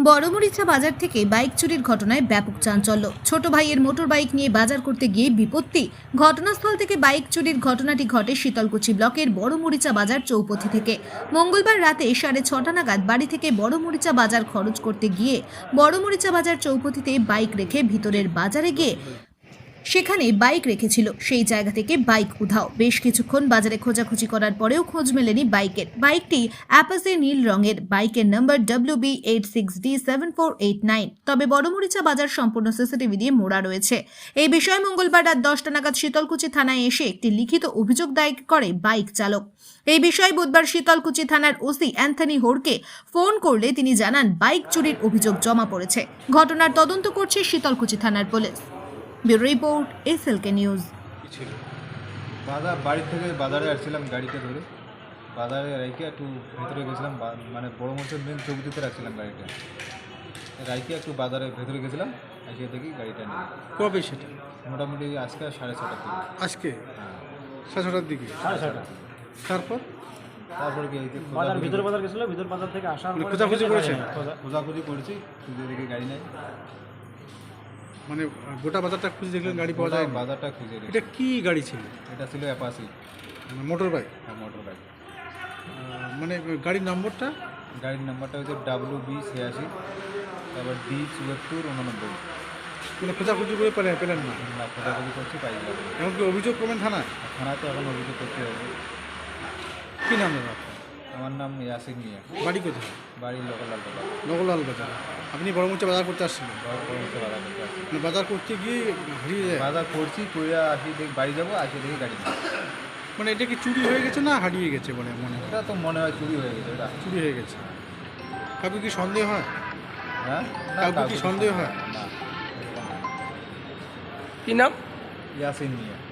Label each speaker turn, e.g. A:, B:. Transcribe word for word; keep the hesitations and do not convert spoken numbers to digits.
A: বড়মরিচা বাজার থেকে বাইক চুরির ঘটনায় ব্যাপক চাঞ্চল্য। ছোট ভাইয়ের মোটর বাইক নিয়ে বাজার করতে গিয়ে বিপত্তি। ঘটনাস্থল থেকে বাইক চুরির ঘটনাটি ঘটে শীতলকুচি ব্লকের বড়মরিচা বাজার চৌপথি থেকে। মঙ্গলবার রাতে সাড়ে ছটা নাগাদ বাড়ি থেকে বড়মরিচা বাজার খরচ করতে গিয়ে বড়মরিচা বাজার চৌপথিতে বাইক রেখে ভিতরের বাজারে গিয়ে সেখানে বাইক রেখেছিল, সেই জায়গা থেকে বাইক উধাও। বেশ কিছুক্ষণ বাজারে খোঁজাখুঁজি করার পরেও খোঁজ মেলেনি বাইকের। বাইকটি অ্যাপাসে নীল রঙের, বাইকের নম্বর W B eight six D seven four eight nine. তবে বড়মরিচা বাজার সম্পূর্ণ সিসিটিভি দিয়ে মোড়া রয়েছে। এই বিষয়ে মঙ্গলবার রাত দশটা নাগাদ শীতলকুচি থানায় এসে একটি লিখিত অভিযোগ দায়ের করে বাইক চালক। এই বিষয়ে বুধবার শীতলকুচি থানার ওসি অ্যান্থনি হোরকে ফোন করলে তিনি জানান বাইক চুরির অভিযোগ জমা পড়েছে। ঘটনার তদন্ত করছে শীতলকুচি থানার police. Bureau report SLK news.
B: ছিল বাজার বাড়ি থেকে বাজারে আসছিলাম গাড়িতে ধরে, বাজারে রাইকে একটু ভেতরে গেছিলাম, মানে বড় মঞ্চের মেন চৌকিতে রাখছিলাম গাড়িটা, রাইকে একটু বাজারে ভেতরে গেছিলাম, এসে দেখি গাড়িটা নেই।
C: কবে সেটা?
B: মোটামুটি আজকে সাড়ে ছটার দিকে।
C: আজকে
B: হ্যাঁ,
C: সাড়ে ছটার দিকে।
B: সাড়ে ছটার দিকে।
C: তারপর
B: তারপরে কি
D: বাজার ভিতর বাজার গেছিল, ভিতর বাজার থেকে আসার
C: মানে
D: পরে
C: খোঁজাখুঁজি করেছেন?
B: খোঁজাখুঁজি করেছি, খুঁজে দেখি গাড়ি নেই।
C: মানে গোটা বাজারটা খুঁজে দেখলেন গাড়ি পাওয়া যায় না?
B: বাজারটা খুঁজে দেখি।
C: এটা কি গাড়ি ছিল?
B: এটা ছিল অ্যাপাসি
C: মোটর বাইক?
B: হ্যাঁ, মোটর বাইক।
C: মানে গাড়ির নম্বরটা?
B: গাড়ির নাম্বারটা হচ্ছে ডাব্লিউ বি ছিয়াশি, তারপর ডি চুয়াত্তর উননব্বই।
C: মানে খোঁজাখুঁজি করে পেলেন পেলেন না?
B: না, খোঁজাখুঁজি করছি, পাই গেলাম।
C: এমনকি অভিযোগ করবেন থানায়?
B: থানাতে এখন অভিযোগ করতে হবে।
C: কী নাম দাদা আপনার?
B: আমার নাম ইয়াসিন মিয়া,
C: বাড়ি কোথায়?
B: বাড়ি লোকাল বাজার।
C: নগরলাল বাজার। আপনি বড়মুচা বাজার করতে আসছিলেন?
B: বড়মুচা বাজার করতে আসছি।
C: মানে বাজার করতে গিয়ে হারিয়ে যায়?
B: বাজার করছি, করে আসি দেখি বাড়ি যাবো, আসি দেখি গাড়ি নেই।
C: মানে এটা কি চুরি হয়ে গেছে না হারিয়ে গেছে বলে মনে হয়?
B: এটা তো মনে হয় চুরি হয়ে গেছে। এটা
C: চুরি হয়ে গেছে। কাউকে কি সন্দেহ হয়?
B: হ্যাঁ,
C: কাউকে কি সন্দেহ হয়?
B: না।
D: কি নাম?
B: ইয়াসিন মিয়া।